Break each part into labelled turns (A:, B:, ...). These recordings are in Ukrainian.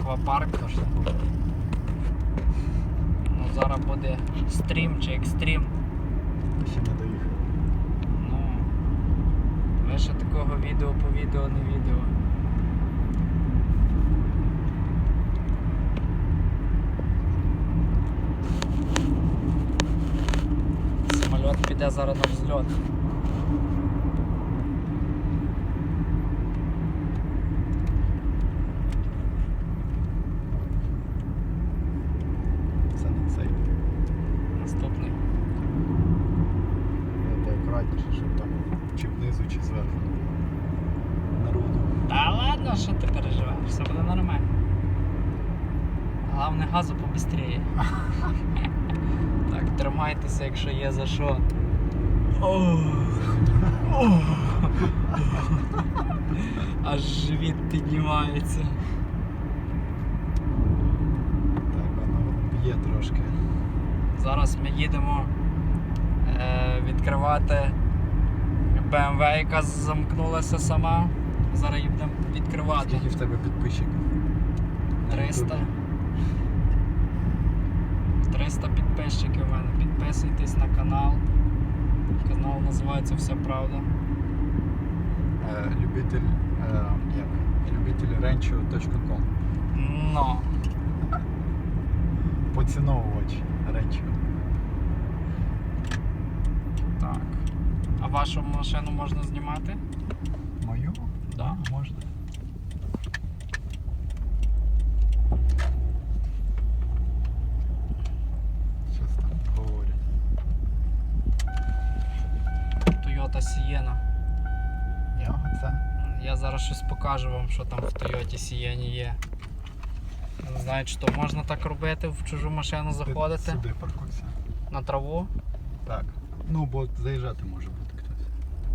A: аквапарк. Ну, зараз буде стрім чи екстрім.
B: Ще не доїхав.
A: Ну, лише такого відео по відео, не відео. Самоліт піде зараз на взльот.
B: Це не цей.
A: Наступний.
B: Це акуратніше, щоб там чи внизу, чи зверху. Народу.
A: Та ладно, що ти переживаєш, все буде нормально. Головне газу побистріє. Так, тримайтеся, якщо є за що. Аж живіт піднімається.
B: Так, воно б'є трошки.
A: Зараз ми їдемо відкривати BMW, яка замкнулася сама. Зараз її будемо відкривати.
B: Скільки в тебе підписчиків?
A: 300. 300 підписчиків у мене. Підписуйтесь на канал. Канал називається Вся Правда.
B: Любитель.rancho.com.
A: Ну.
B: Поціновувач Rancho.
A: Так. А вашу машину можна знімати?
B: Мою?
A: Да.
B: Можна. Щось там говорять.
A: Toyota Sienna.
B: Це?
A: Я зараз щось покажу вам, що там в Toyota Sienna є. Не знаю, чи то можна так робити, в чужу машину заходити.
B: Сюди паркуйся.
A: На траву.
B: Так. Ну, бо заїжджати може бути хтось.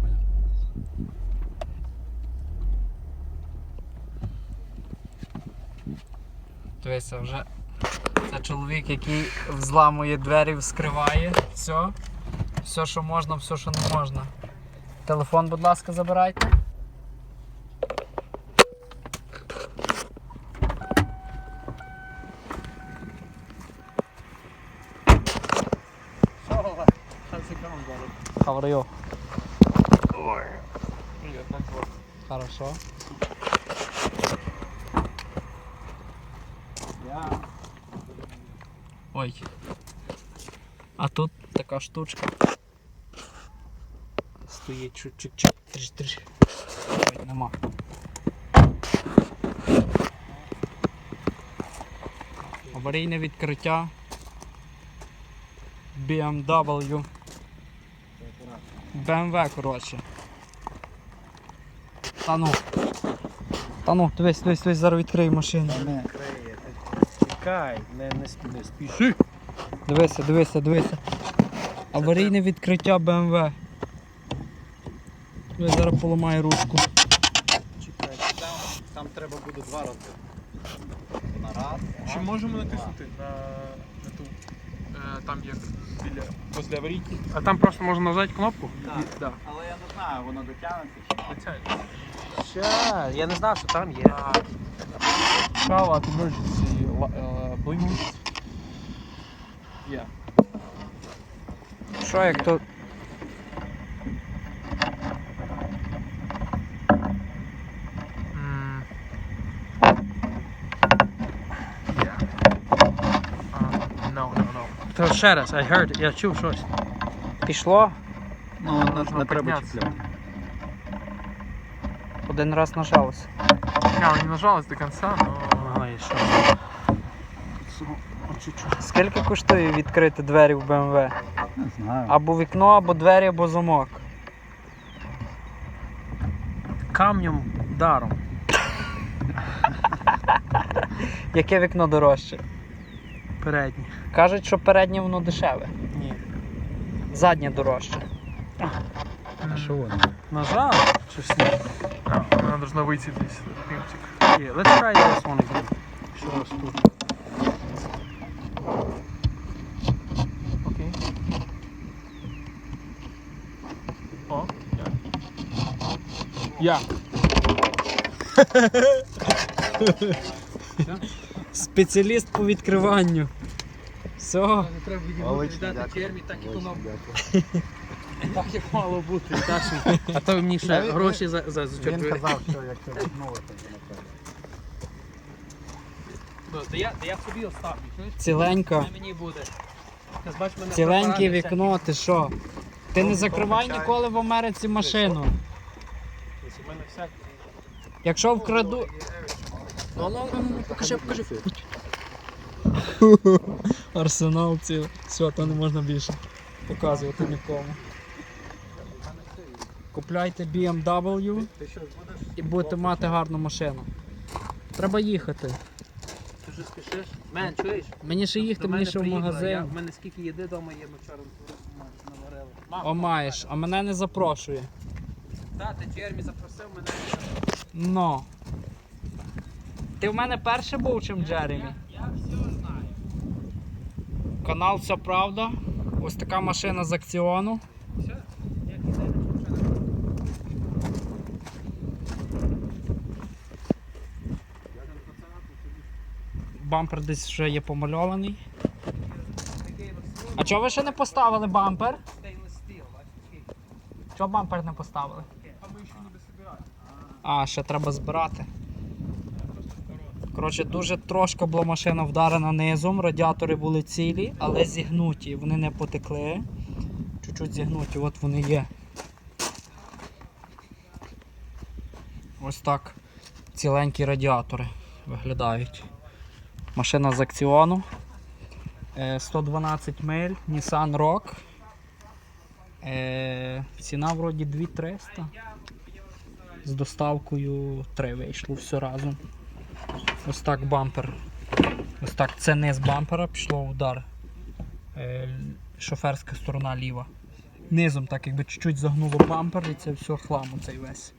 A: Дивися, вже це чоловік, який взламує двері, вскриває. Все, що можна, все, що не можна. Телефон, будь ласка, забирайте. How are you? Хорошо. Ой. А тут така штучка. Стоїть чуть-чуть. Триш. Ой, нема. Аварійне відкриття. BMW. BMW, коротше. Та ну, дивись, зараз відкрию машину.
B: Не.
C: Чекай, не спіши.
A: Дивися. Аварійне відкриття BMW. Я зараз поламаю ручку.
C: Чекай, там треба буде 2 рази. На раз.
D: Чи можемо натиснути на ту, там як біля, після аварійки? А там просто можна нажати кнопку?
C: Так.
D: Да.
C: Але я не знаю, воно дотягнеться чи ні.
D: Оця.
C: Ще, я не знав, що там є.
D: Shout out emergency blinks. Yeah.
A: Що як то?
D: No.
C: То ще раз, I heard, я чув щось.
A: Пішло?
B: Ну, не треба
D: піднятися.
B: чіпляти.
A: Один раз нажалося.
D: Не нажалась до конца, но...
C: Ага, і що?
A: Скільки коштує відкрити двері в BMW?
B: Не знаю.
A: Або вікно, або двері, або замок.
C: Камнем даром.
A: Яке вікно дорожче?
C: Передній.
A: Кажуть, що переднє воно дешеве.
C: Ні.
A: Заднє дорожче.
B: А що воно?
C: Нажав? Чи все?
D: Она должна выйти здесь, пинтик.
C: Yeah, let's try this one again. Що у вас тут?
D: Окей. О, я.
A: Спеціаліст по відкриванню. Все.
D: Не треба
B: Молодці,
D: віддати
B: дякую.
D: чермі, так як воно
B: Дякую.
D: так як мало бути. А то мені ще
B: Він-
D: гроші за
B: Він казав, що як це відмовити, то напевно.
D: Да я собі оставлю, чуєш?
A: Ціленько.
D: Не мені буде. Ти бач, мене
A: Ціленьке
D: препарати
A: вікно, ти що? Ти не закривай
B: чай.
A: ніколи в Америці машину.
D: всякі. У мене всякі.
A: Якщо вкраду.
D: Ну, покажи.
A: Арсенал цілий. Все, то не можна більше показувати нікому. Купляйте BMW і будете мати гарну машину. Треба їхати.
D: Ти вже спішиш? Мен, чуєш?
A: Мені ще їхати,
D: До
A: мені
D: мене
A: ще в
D: приїхала,
A: магазин.
D: В мене скільки їди вдома є, ми вчора наварили.
A: О, маєш, а мене не запрошує.
D: Так, ти Джермі запросив мене.
A: Ну. Ти в мене перший був, чим Джеремі?
D: Я все знаю.
A: Канал Все Правда. Ось така машина з акціону.
D: Все? Як іде, нічого не робить.
A: Бампер десь вже є помальований. А чого ви ще не поставили бампер?
D: Stainless steel, бачиш?
A: Чого бампер не поставили?
D: А ми ще ніби збираємо.
A: А, ще треба збирати. Коротше, дуже трошки була машина вдарена низом, радіатори були цілі, але зігнуті, вони не потекли. Чуть-чуть зігнуті, от вони є. Ось так ціленькі радіатори виглядають. Машина з акціону. 112 миль, Nissan Rogue. Ціна вроді 2300. З доставкою 3 вийшло все разом. Ось так бампер. Ось так це низ бампера, пішло удар. Шоферська сторона ліва. Низом так якби чуть-чуть загнуло бампер і це все хлам оцей весь.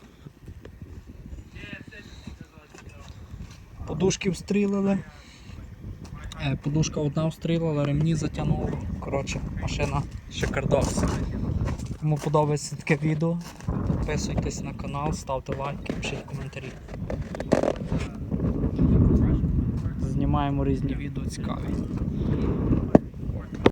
A: Подушки встрілили. Подушка одна встрілила, ремні затягнуло. Коротше, машина шикардос. Кому подобається таке відео, підписуйтесь на канал, ставте лайки, пишіть коментарі. Знімаємо різні відео цікаві.